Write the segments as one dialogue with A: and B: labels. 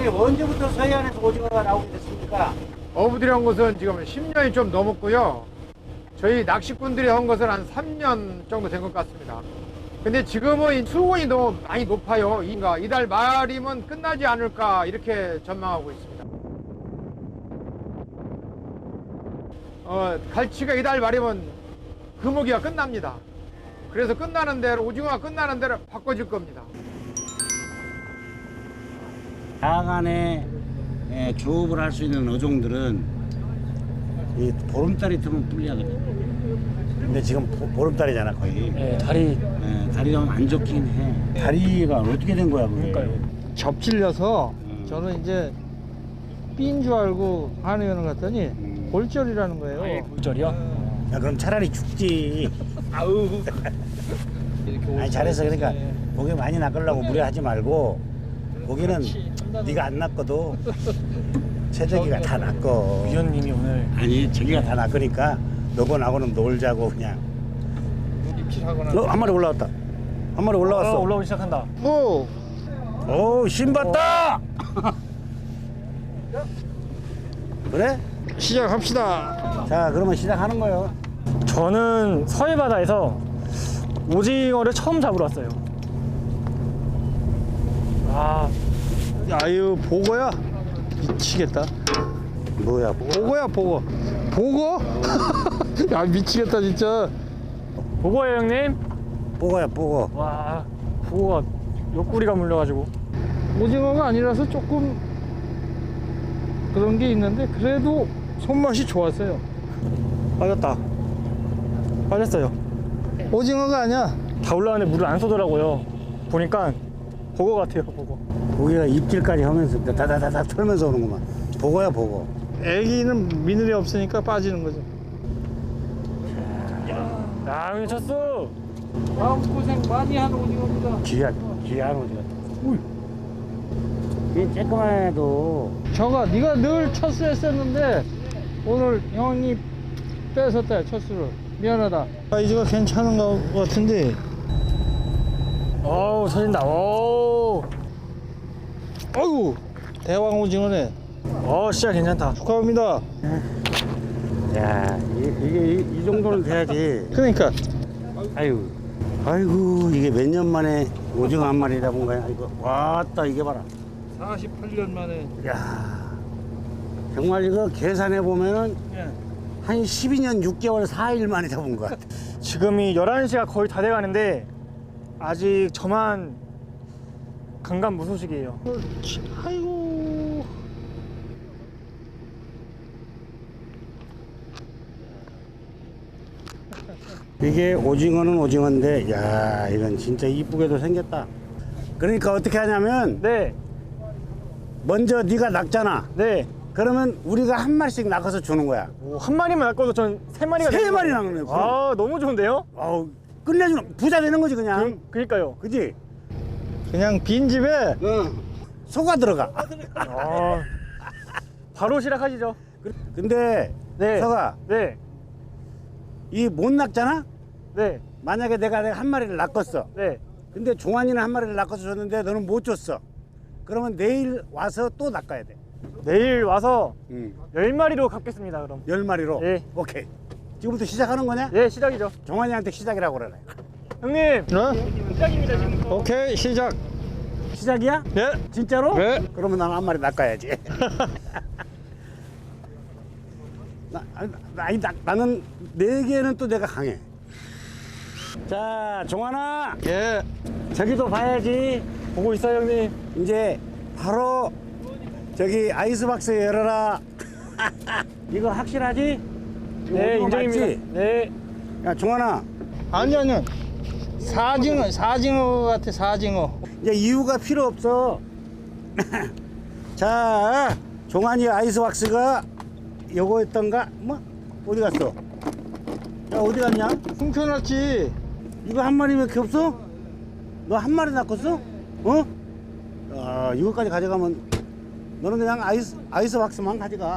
A: 형님 언제부터 서해안에서 오징어가 나오게 됐습니까?
B: 어부들이 한 것은 지금 10년이 좀 넘었고요. 저희 낚시꾼들이 한 것은 한 3년 정도 된 것 같습니다. 근데 지금은 수온이 너무 많이 높아요. 그러니까 이달 말이면 끝나지 않을까 이렇게 전망하고 있습니다. 갈치가 이달 말이면 금어기가 끝납니다. 그래서 끝나는 대로 오징어가 끝나는 대로 바꿔줄 겁니다.
A: 야간에 조업을 할 수 있는 어종들은 이 보름달이 들면 불리하거든요. 근데 지금 보름달이잖아 거의.
C: 네, 다리.
A: 다리가 안 좋긴 해. 다리가 어떻게 된 거야 그게?
C: 그러니까요.
D: 접질려서 저는 이제 삔 줄 알고 한의원을 갔더니 골절이라는 거예요.
C: 아예 골절이요?
A: 야 그럼 차라리 죽지.
C: 아우.
A: 아니 잘했어. 그러니까 고기 많이 낚으려고 무리하지 말고 고기는 네가 안 낚아도 최저기가 다 낚어.
C: 위원님이 오늘
A: 아니 저기가 다 낚으니까 너고 나고는 놀자고 그냥. 한 마리 올라왔다. 한 마리 올라왔어.
C: 올라오기 시작한다.
D: 오!
A: 오, 신봤다. 그래?
D: 시작합시다.
A: 자, 그러면 시작하는 거예요.
C: 저는 서해 바다에서 오징어를 처음 잡으러 왔어요. 아,
D: 아유, 보고야? 미치겠다.
A: 뭐야?
D: 보고야, 보고. 보고? 야, 미치겠다, 진짜.
C: 보고예요 형님.
A: 뽀거야, 뽀거.
C: 와, 보고가 옆구리가 물려가지고.
D: 오징어가 아니라서 조금 그런 게 있는데, 그래도 손맛이 좋았어요.
C: 빠졌다. 빠졌어요.
D: 오징어가 아니야.
C: 다 올라왔는데 물을 안 쏘더라고요. 보니까 보고 같아요, 보고.
A: 고기가 입질까지 하면서 다다다다 털면서 오는구만. 보거야, 보거.
D: 애기는 미늘이 없으니까 빠지는 거죠.
C: 야, 형님 쳤어.
D: 마음고생 많이 하는 오징어입니다.
A: 귀한 오징어. ui. 이 쬐끄만 해도
D: 저가 네가 늘 첫수 했었는데 오늘 형이 뺏었다 첫수를. 미안하다. 사이즈가 괜찮은 것 같은데.
C: 어우, 터진다. 오.
D: 아이고 대왕 오징어네.
C: 진짜 괜찮다.
D: 축하합니다.
A: 야, 이게 이 정도는 돼야지.
D: 그러니까
A: 아이고 이게 몇 년 만에 오징어 한 마리 잡은 거야. 이거 왔다 이게 봐라.
D: 48년 만에.
A: 야, 정말 이거 계산해 보면은 한 12년 6개월 4일 만에 잡은 것 같아.
C: 지금이 11시가 거의 다 돼가는데 아직 저만 강간무소식이에요.
D: 아이고.
A: 이게 오징어는 오징어인데, 야, 이건 진짜 이쁘게도 생겼다. 그러니까 어떻게 하냐면,
C: 네,
A: 먼저 네가 낚잖아.
C: 네.
A: 그러면 우리가 한 마리씩 낚아서 주는 거야.
C: 오, 한 마리만 낚아도 전 세 마리가
A: 세
C: 되는
A: 마리
C: 거예요.
A: 낚는 거야.
C: 아, 너무 좋은데요?
A: 아우, 끝내주는 부자 되는 거지 그냥.
C: 그니까요.
A: 그지?
D: 그냥 빈 집에
A: 응. 속아 들어가.
C: 바로 시작하시죠.
A: 근데
C: 네.
A: 서가
C: 네,
A: 이 못 낚잖아.
C: 네,
A: 만약에 내가 한 마리를 낚았어.
C: 네.
A: 근데 종환이는 한 마리를 낚아서 줬는데 너는 못 줬어. 그러면 내일 와서 또 낚아야 돼.
C: 내일 와서
A: 응.
C: 10마리로 갚겠습니다, 그럼.
A: 10마리로.
C: 네.
A: 오케이. 지금부터 시작하는 거냐?
C: 예, 시작이죠.
A: 종환이한테 시작이라고 그러네.
C: 형님, 시작입니다, 지금부터.
D: 오케이 시작.
A: 시작이야?
D: 네.
A: 진짜로?
D: 네.
A: 그러면 난 한 마리 낚아야지. 나는 4개는 또 내가 강해. 자, 종환아.
D: 예.
A: 저기도 봐야지.
C: 보고 있어요, 형님.
A: 이제 바로 저기 아이스박스 열어라. 이거 확실하지? 이거
C: 네,
A: 오징어
C: 인정입니다.
A: 맞지?
C: 네.
A: 야, 종환아.
D: 아니 사징어 같아. 사징어.
A: 이제 이유가 필요 없어. 자, 종환이 아이스박스가 요거였던가? 뭐? 어디 갔어? 야, 어디 갔냐?
D: 훔쳐놨지.
A: 이거 한 마리밖에 없어? 너 한 마리 낚았어? 어? 아, 이거까지 가져가면 너는 그냥 아이스박스만 가져가.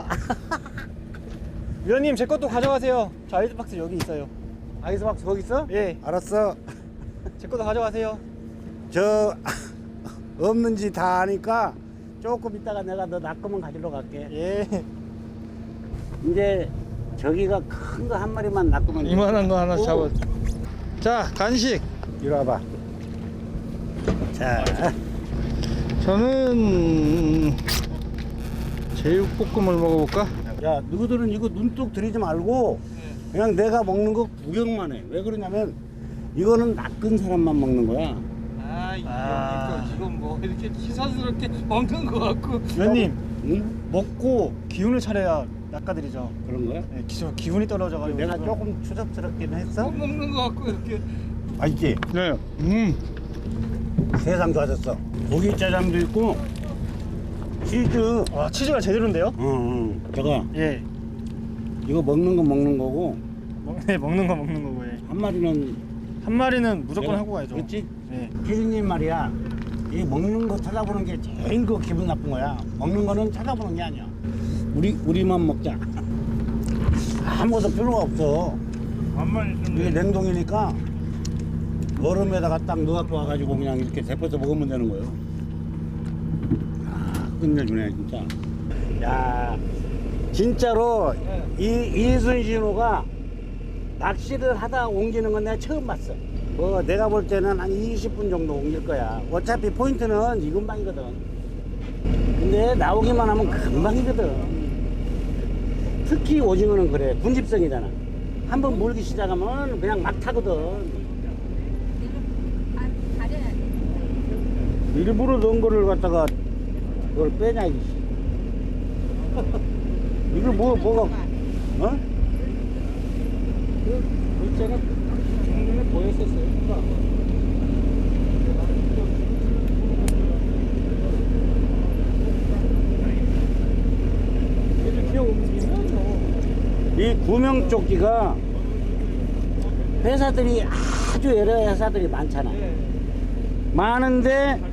C: 위원님, 제 것도 가져가세요. 저 아이스박스 여기 있어요.
A: 아이스박스 거기 있어?
C: 예,
A: 알았어.
C: 제 것도 가져가세요.
A: 저 없는지 다 아니까 조금 있다가 내가 너 낚으면 가지러 갈게.
C: 예.
A: 이제 저기가 큰 거 한 마리만 낚으면 돼.
D: 이만한 거 하나
A: 오.
D: 잡아. 자, 간식.
A: 이리 와봐. 자,
D: 저는 제육볶음을 먹어볼까?
A: 야, 너희들은 이거 눈독 들이지 말고 그냥 내가 먹는 거 구경만 해. 왜 그러냐면 이거는 낚은 사람만 먹는 거야.
D: 지금 뭐 이렇게 시사스럽게 먹는 거 같고.
C: 위원님
A: 응?
C: 먹고 기운을 차려야 낚아드리죠.
A: 그런 거야?
C: 네, 기운이 떨어져가지고
A: 내가 조금 추접스럽긴 했어.
D: 먹는 거 같고 이렇게.
A: 맛있지?
D: 네.
A: 세상 좋아졌어. 고기 짜장도 있고 치즈.
C: 와 치즈가 제대로인데요?
A: 응. 저거
C: 예.
A: 이거 먹는 건 먹는 거고
C: 네, 먹는 거고 예.
A: 한 마리는
C: 한 마리는 무조건
A: 내가-
C: 하고 가야죠.
A: 그렇지?
C: 네.
A: 피디님 말이야. 이 먹는 거 찾아보는 게 제일 그 기분 나쁜 거야. 먹는 거는 찾아보는 게 아니야. 우리만 먹자. 아무것도 필요가 없어. 이게 냉동이니까 얼음에다가 딱 넣어갖고 와가지고 그냥 이렇게 데펴서 먹으면 되는 거예요. 아, 끝내주네 진짜. 야, 진짜로 이순신호가 낚시를 하다 옮기는 건 내가 처음 봤어. 뭐 내가 볼 때는 한 20분 정도 옮길 거야. 어차피 포인트는 이 근방이거든. 근데 나오기만 하면 금방이거든. 특히 오징어는 그래. 군집성이잖아. 한번 물기 시작하면 그냥 막 타거든. 일부러 넣은 거를 갖다가 그걸 빼냐 이게. 이거 뭐가 어? 그 글자가 중간에 보였었어요. 이 구명조끼가 회사들이 아주 여러 회사들이 많잖아. 많은데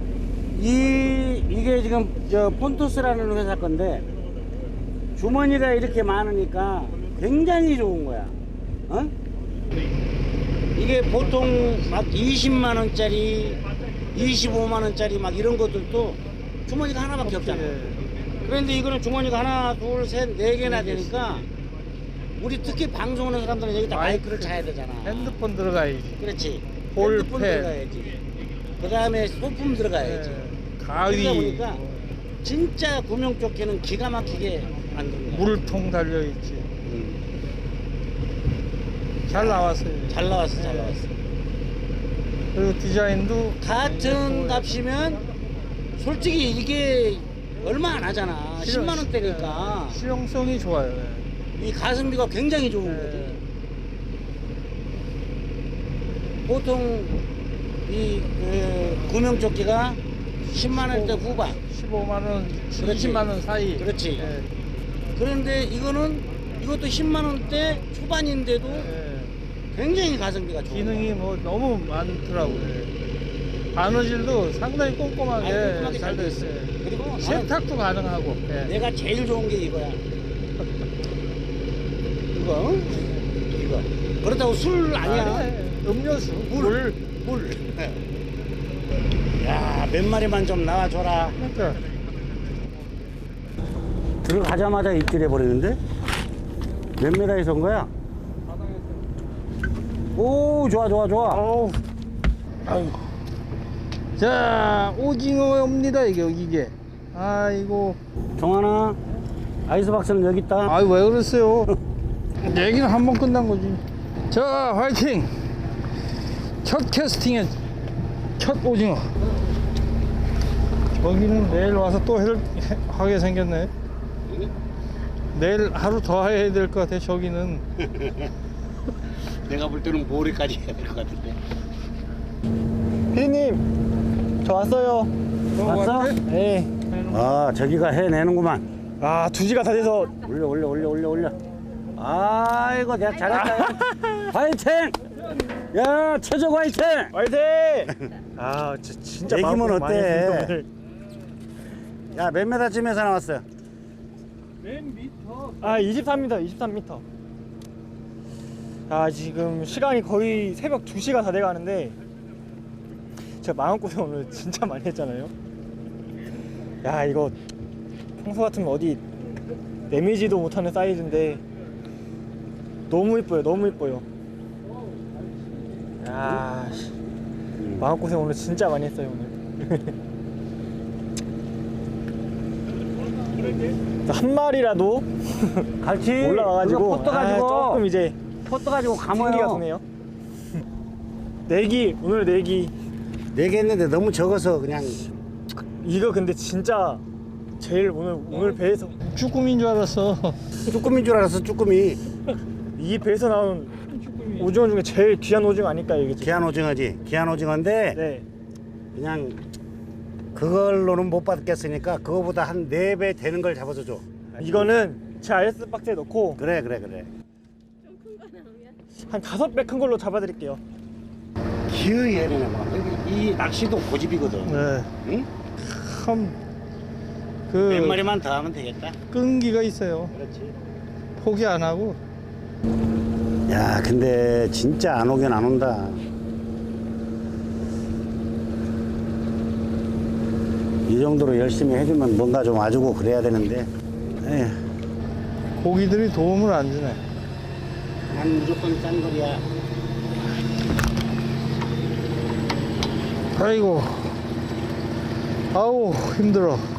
A: 이게 지금 저 폰토스라는 회사 건데 주머니가 이렇게 많으니까 굉장히 좋은 거야. 어? 이게 보통 막 20만 원짜리, 25만 원짜리 막 이런 것들도 주머니가 하나밖에 없잖아. 그런데 이거는 주머니가 하나, 둘, 셋, 네 개나 되니까 우리 특히 방송하는 사람들은 여기다 마이크를 차야 되잖아.
D: 핸드폰 들어가야지.
A: 그렇지.
D: 볼펜.
A: 핸드폰 들어가야지. 그 다음에 소품 들어가야지.
D: 가위.
A: 그러다 보니까 진짜 구명조끼는 기가 막히게 만든 거야.
D: 물통 달려있지. 잘 나왔어요.
A: 잘 나왔어, 잘 나왔어.
D: 그리고 디자인도
A: 같은 값이면 솔직히 이게 얼마 안 하잖아. 10만 원대니까
D: 실용성이 좋아요.
A: 이 가성비가 굉장히 좋은 거지. 보통 이 구명조끼가 10만 원대 후반.
D: 15만 원,
A: 그렇지.
D: 20만 원 사이.
A: 그렇지.
D: 예.
A: 그런데 이것도 10만 원대 초반인데도 굉장히 가성비가 좋아.
D: 기능이 뭐 너무 많더라고요. 바느질도 상당히 꼼꼼하게 잘 됐어요.
A: 그리고 나는
D: 세탁도 가능하고. 예.
A: 내가 제일 좋은 게 이거야. 이거. 그렇다고 술 아니야.
D: 음료수, 물.
A: 야, 몇 마리만 좀 나와줘라.
D: 그러니까
A: 들어가자마자 입질해 버리는데? 몇 미터에서 온 거야? 오, 좋아.
C: 어우.
D: 자, 오징어입니다, 이게. 아이고.
A: 정환아, 아이스박스는 여기 있다.
D: 아이, 왜 그랬어요? 얘기는 한 번 끝난 거지. 자, 화이팅! 첫 캐스팅의 첫 오징어. 저기는 내일 와서 또 하게 생겼네. 내일 하루 더 해야 될 것 같아, 저기는.
A: 내가 볼 때는 모레까지 해야 될 것 같은데.
C: 피디님 저 왔어요.
A: 왔어?
C: 네.
A: 아, 저기가 해내는구만.
C: 아 2시가 다 돼서
A: 올려. 아이고, 내가 잘했다. 화이팅! 야, 최적 화이팅!
C: 화이팅! 아 진짜
A: 얘기면
C: 마음고생 많이
A: 어때?
C: 했습니다, 오늘.
A: 야, 몇 메다쯤에서 나왔어요?
C: 아 23m. 아 지금 시간이 거의 새벽 2시가 다 돼가는데 제가 마음고생 오늘 진짜 많이 했잖아요. 야, 이거 평소 같으면 어디 내미지도 못하는 사이즈인데 너무 이뻐요. 너무 이뻐요. 야, 씨. 마음고생 오늘 진짜 많이 했어요 오늘. 한 마리라도
A: 같이
C: 올라와가지고
A: 포터 가지고
C: 조금 이제
A: 포터 가지고
C: 생기가
A: 감아요.
C: 도네요. 내기 오늘 내기
A: 4개 했는데 너무 적어서 그냥
C: 이거 근데 진짜 제일 오늘 배에서
D: 쭈꾸미인 줄 알았어.
A: 쭈꾸미인 줄 알았어. 쭈꾸미.
C: 이 배에서 나온 오징어 중에 제일 귀한 오징어 아닐까요 이게 지금?
A: 귀한 오징어지. 귀한 오징어인데
C: 네.
A: 그냥 그걸로는 못 받겠으니까 그거보다 한 4배 되는 걸 잡아서 줘.
C: 이거는 제 RS 박스에 넣고
A: 그래.
C: 한 5배 큰 걸로 잡아드릴게요.
A: 기어이 해내네. 이 낚시도 고집이거든.
D: 네.
A: 응?
D: 참,
A: 몇 마리만 더 하면 되겠다.
D: 끈기가 있어요.
A: 그렇지.
D: 포기 안 하고.
A: 야, 근데 진짜 안 오긴 안 온다. 이 정도로 열심히 해주면 뭔가 좀 와주고 그래야 되는데. 에휴,
D: 고기들이 도움을 안 주네.
A: 난 무조건 짠 거리야.
D: 아이고. 아우, 힘들어.